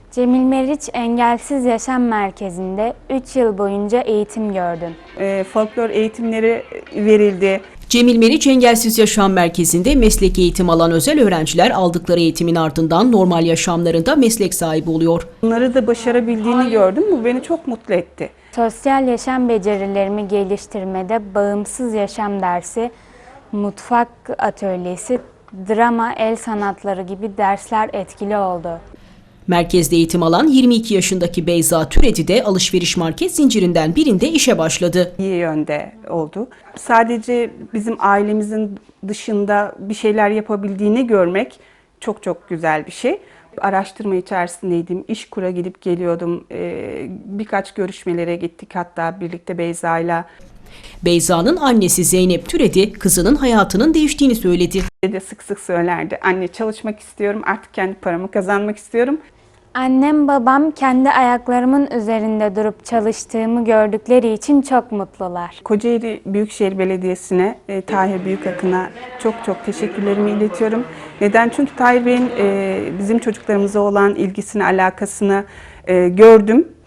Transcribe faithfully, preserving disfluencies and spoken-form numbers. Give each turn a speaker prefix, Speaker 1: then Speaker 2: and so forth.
Speaker 1: Cemil Meriç Engelsiz Yaşam Merkezi'nde üç yıl boyunca eğitim gördüm.
Speaker 2: E, folklor eğitimleri verildi.
Speaker 3: Cemil Meriç Engelsiz Yaşam Merkezi'nde meslek eğitim alan özel öğrenciler aldıkları eğitimin ardından normal yaşamlarında meslek sahibi oluyor.
Speaker 2: Bunları da başarabildiğini gördüm. Bu beni çok mutlu etti.
Speaker 1: Sosyal yaşam becerilerimi geliştirmede bağımsız yaşam dersi, mutfak atölyesi, drama, el sanatları gibi dersler etkili oldu.
Speaker 3: Merkezde eğitim alan yirmi iki yaşındaki Beyza Türedi de alışveriş market zincirinden birinde işe başladı.
Speaker 2: İyi yönde oldu. Sadece bizim ailemizin dışında bir şeyler yapabildiğini görmek çok çok güzel bir şey. Araştırma içerisindeydim, İşkur'a gidip geliyordum. Ee, birkaç görüşmelere gittik hatta birlikte Beyza'yla.
Speaker 3: Beyza'nın annesi Zeynep Türedi kızının hayatının değiştiğini söyledi.
Speaker 2: De sık sık söylerdi. Anne çalışmak istiyorum, artık kendi paramı kazanmak istiyorum.
Speaker 1: Annem babam kendi ayaklarımın üzerinde durup çalıştığımı gördükleri için çok mutlular.
Speaker 2: Kocaeli Büyükşehir Belediyesi'ne, e, Tahir Büyükakın'a çok çok teşekkürlerimi iletiyorum. Neden? Çünkü Tahir Bey'in e, bizim çocuklarımıza olan ilgisini, alakasını e, gördüm.